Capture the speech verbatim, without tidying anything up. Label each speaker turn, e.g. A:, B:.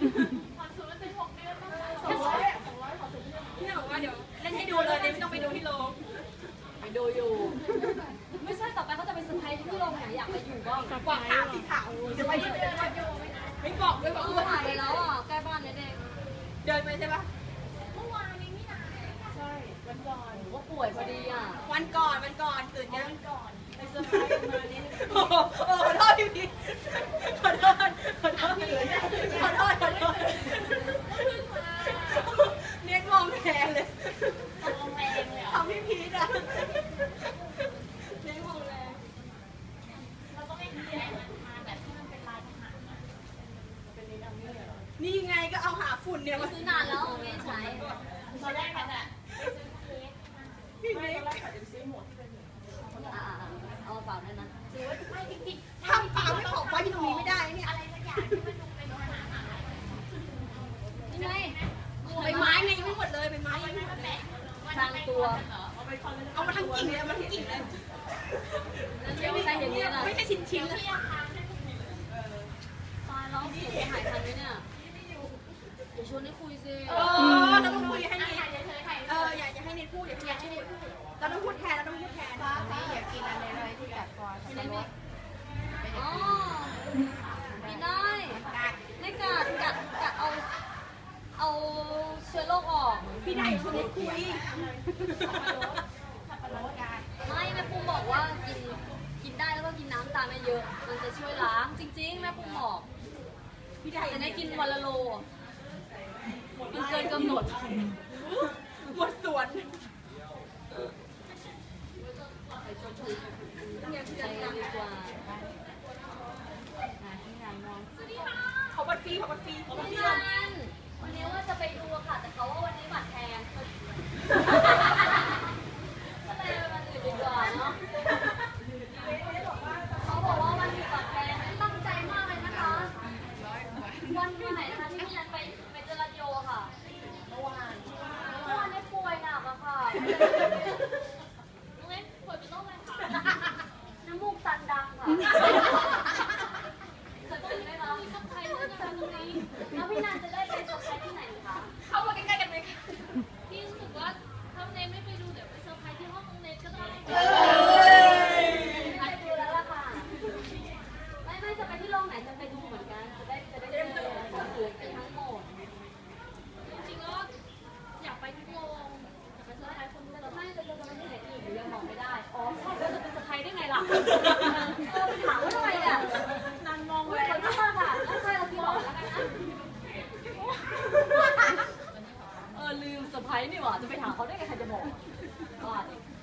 A: ผ่อนศูนย์เป็นหกเดือนต้อง
B: สองร้อยสองร้อยขอศูนย์พี่บอกว่าเดี๋ยวเล่นให้ดูเลยไม่ต้องไปดูที่โรง
C: ไปดูอยู่ไม่ใช่ต่อไปเขาจะไปเซอร์ไพรส์ที่โรงไหนอยากไปอยู่บ้าง
B: กว่าขาวสีขาวจะไปที่ไหนไม่บอกด้วยบอกว่า
C: ถ่ายไปแล้วอ่ะใกล้บ้านเด็ก
B: เดินไปใช่ปะ
A: เมื่อวานนี้นี่นะ
B: ใช่วันก่อน
C: ว่าป่วยพอดีอ่ะ
B: วันก่อนวันก่อนตื่นยัง
A: ก่อน
B: ไปเซอร์ไพรส์มาเนี่ยโอ้โหขอโทษพี่พีขอโทษขอโทษขอโทษขอโทษเรียกมองแพงเลย
A: มองแพงเลย
B: ทำพี่พีทอ่ะเรียกมองแรง
A: เราต้องไม่หาอะไรมาแบบที่มันเป็นลายทหารนะ
B: นี่ไงก็เอาหาฝุ่นเนี่ยมา
C: ซื้อนานแล้วไม่ใช้
A: ตอนแรกกันอ่ะ
B: พี่เล็ก
C: อ่าเอาเปล่าด้วยนะ
A: ถือว่าไม่จริง
B: ๆทำเปล่าไม่ของไว้ที่ตรงนี้ไม่ได้เนี่ย
A: อะไรสักอย่างที่มันดูเป็นทหาร
C: นี่ไง
B: ใบไม้ไงยังไม่หมดเลยใบไม้ยังไม่หมดเลย
C: ทางตัว
B: เอามาทั้งกิ่งเลยเอามาทั้งกิ่งเลย
C: ไม่ใช่อย่างนี้นะ
B: ไม่ใช่ชิ้นชิ้นเลย
C: ตายแล้วเสียหายทันไหมเนี่ยเดี๋ยวชวนให้คุยสิ
B: เออเราต้องคุยให้นิดเอออยากจะให้นิดพูดอยากให้นิดเราต้องพูดแทนเราต้องพูดแทน
A: นี่อยากกินอะไรเลยที่แบบพอสับปะรด
C: อ๋อไม่ได้ไม่กัดกัดกัดเอาเอาเชื้อโรคออก
B: พี่ได้ชวนนิดคุย
C: ไม่แม่ปุ้มบอกว่ากินกินได้แล้วก็กินน้ำตาลไม่เยอะมันจะช่วยล้างจริงๆแม่ปุ้มบอกพี่ได้จะได้กินวันละโลกินเกินกำหนด
B: หมดส่วน
C: ใช้ดีกว่า
B: เขาบัตรฟรีเขาบัตรฟรีเขาบัตรฟรี
C: วันนี้ว่าจะไปดูค่ะแต่เขาว่าวันนี้บัตรแพงก็เลยวันอื่นดีกว่าเนาะเขาบอกว่าวันอื่นบัตรแพงตั้งใจมากเลยนะคะวันไหนนะคะที่พี่นันไปไปเจอรันโยค่ะเมื่อวานเมื่อวานได้ป่วยหนักอะค่ะ
A: น้องเล็กป่วยเป็นโรคอะไรคะ
C: น้ำมูกตันดังค่ะจะตื่นไหมคะ
A: มีสักใครรู้จักตรงนี้
C: แล้วพี่นันจะได้ไปเซอร์ไพรส์ที่ไหนคะ
B: เข้ามาใกล้ๆกันไหมคะ
A: พี่รู้สึกว่าถ้าเนยไม่ไปดูเดี๋ยวไปเซอร์ไพรส์ที่ห้องน้องเนยก็ได้
C: ไปดูแล้วล่ะค่ะไม่ไม่จะไปที่โรงไหนจะไปดูเหมือนกันจะได้จะได้เจอคนอื่นไปทั้งหมด
A: จริงๆก็อยากไปทุกโรงอยากไปเซอร์ไพรส์คนทุกโรง
C: ไม่จะจะไปที่ไหนอีกหรือยังบอกไม่ได้อ๋อใช่แล้วจะเป็นเซอร์ไพรส์ได้ไงล่ะเออไปถามว่าทำไมเนี่ย
B: นันมอง
C: เลยขอโทษค่ะแล้วใครเราพี่บอกแล้วกันนะเออลืมเซอร์ไพรส์นี่หว่าจะไปถามเขาได้ไงใครจะบอกว่า